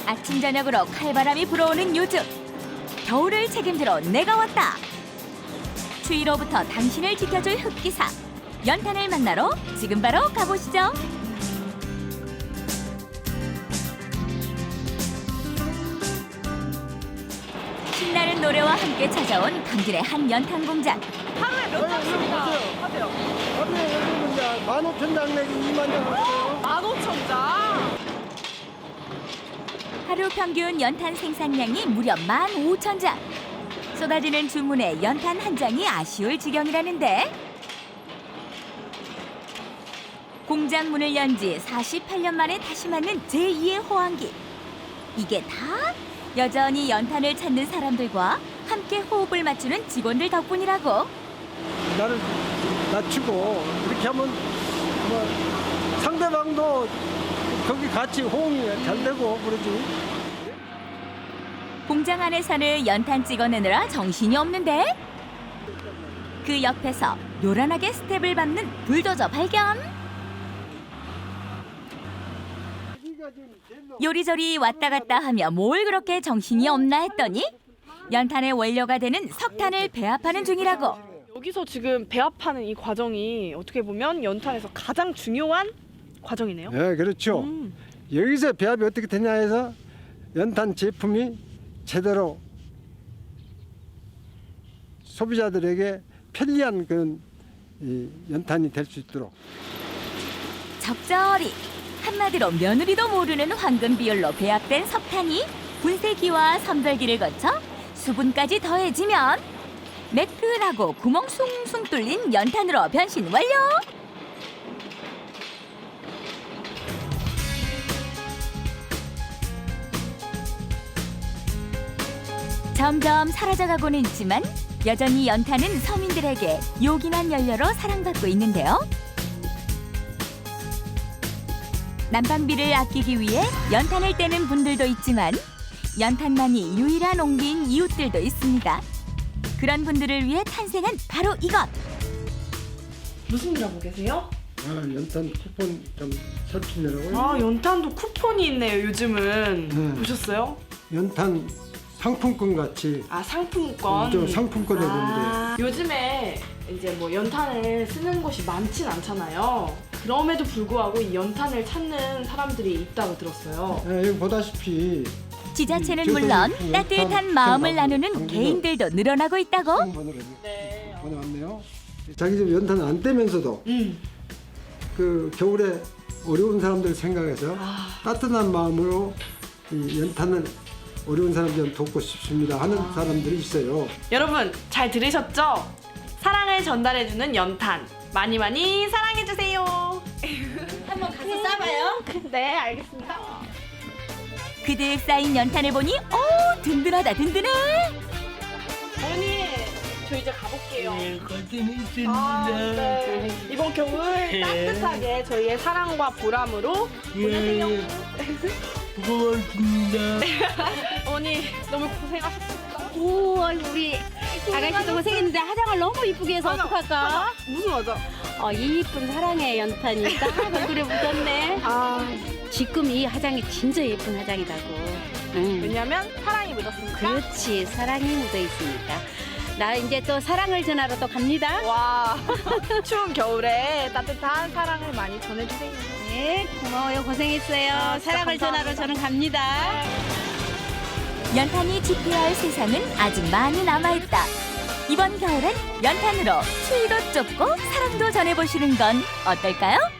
아침 저녁으로 칼바람이 불어오는 요즘, 겨울을 책임지러 내가 왔다. 추위로부터 당신을 지켜줄 흑기사, 연탄을 만나러 지금 바로 가보시죠. 신나는 노래와 함께 찾아온 강진의 한 연탄 공장. 하루에 몇 장씩 하세요? 하루에 여기는 이제 15,000장 내지 2만 장 하세요. 15,000장? 하루 평균 연탄 생산량이 무려 15,000장. 쏟아지는 주문에 연탄 한 장이 아쉬울 지경이라는데, 공장 문을 연 지 48년 만에 다시 맞는 제2의 호황기. 이게 다 여전히 연탄을 찾는 사람들과 함께 호흡을 맞추는 직원들 덕분이라고. 나를 낮추고 이렇게 하면 뭐 상대방도 거기 같이 호응이 잘 되고 그러지. 공장 안에서는 연탄 찍어내느라 정신이 없는데, 그 옆에서 요란하게 스텝을 밟는 불도저 발견. 요리조리 왔다 갔다 하며 뭘 그렇게 정신이 없나 했더니 연탄의 원료가 되는 석탄을 배합하는 중이라고. 여기서 지금 배합하는 이 과정이 어떻게 보면 연탄에서 가장 중요한 과정이네요. 네, 그렇죠. 여기서 배합이 어떻게 되냐 해서 연탄 제품이 제대로 소비자들에게 편리한 그런 이 연탄이 될 수 있도록. 적절히, 한마디로 며느리도 모르는 황금 비율로 배합된 석탄이 분쇄기와 선별기를 거쳐 수분까지 더해지면 매끈하고 구멍 숭숭 뚫린 연탄으로 변신 완료! 점점 사라져가고는 있지만 여전히 연탄은 서민들에게 요긴한 연료로 사랑받고 있는데요. 난방비를 아끼기 위해 연탄을 떼는 분들도 있지만 연탄만이 유일한 옹기인 이웃들도 있습니다. 그런 분들을 위해 탄생한 바로 이것! 무슨 일 하고 계세요? 연탄 쿠폰 좀 설치내라고요. 아, 연탄도 쿠폰이 있네요, 요즘은. 네. 보셨어요? 연탄 상품권 같이 아, 상품권. 좀 상품권에 보는데 요즘에 이제 뭐 연탄을 쓰는 곳이 많진 않잖아요. 그럼에도 불구하고 이 연탄을 찾는 사람들이 있다고 들었어요. 여기 보다시피 지자체는 저도 물론 그 따뜻한 연탄 마음을 연탄 나누는 연탄 개인들도 늘어나고 있다고. 네. 보내왔네요. 자기 집 연탄 안 떼면서도 그 겨울에 어려운 사람들 생각해서 따뜻한 마음으로 이 연탄을 어려운 사람들 돕고 싶습니다 하는 사람들이 있어요. 여러분, 잘 들으셨죠? 사랑을 전달해주는 연탄. 많이 많이 사랑해주세요. 한번 가서 쏴봐요. 네, 알겠습니다. 그득 쌓인 연탄을 보니 든든하다 든든해. 어머니, 저 이제 가볼게요. 고생했습니다. 네. 이번 겨울 따뜻하게 저희의 사랑과 보람으로 보내세요. 고맙습니다. 어머니, 너무 고생하셨습니다. 오, 우리 아가씨도 고생했는데 화장을 너무 이쁘게 해서 어떡할까? 무슨 화장? 이 이쁜 사랑의 연탄이 딱 얼굴에 묻었네. 지금 이 화장이 진짜 예쁜 화장이라고. 응. 왜냐면 사랑이 묻었으니까. 그렇지, 사랑이 묻어 있으니까. 나 이제 또 사랑을 전하러 또 갑니다. 와, 추운 겨울에 따뜻한 사랑을 많이 전해주세요. 네, 고마워요. 고생했어요. 진짜 사랑을 전하러 감사합니다. 저는 갑니다. 연탄이 지켜야 할 세상은 아직 많이 남아있다. 이번 겨울엔 연탄으로 추위도 쫓고 사랑도 전해보시는 건 어떨까요?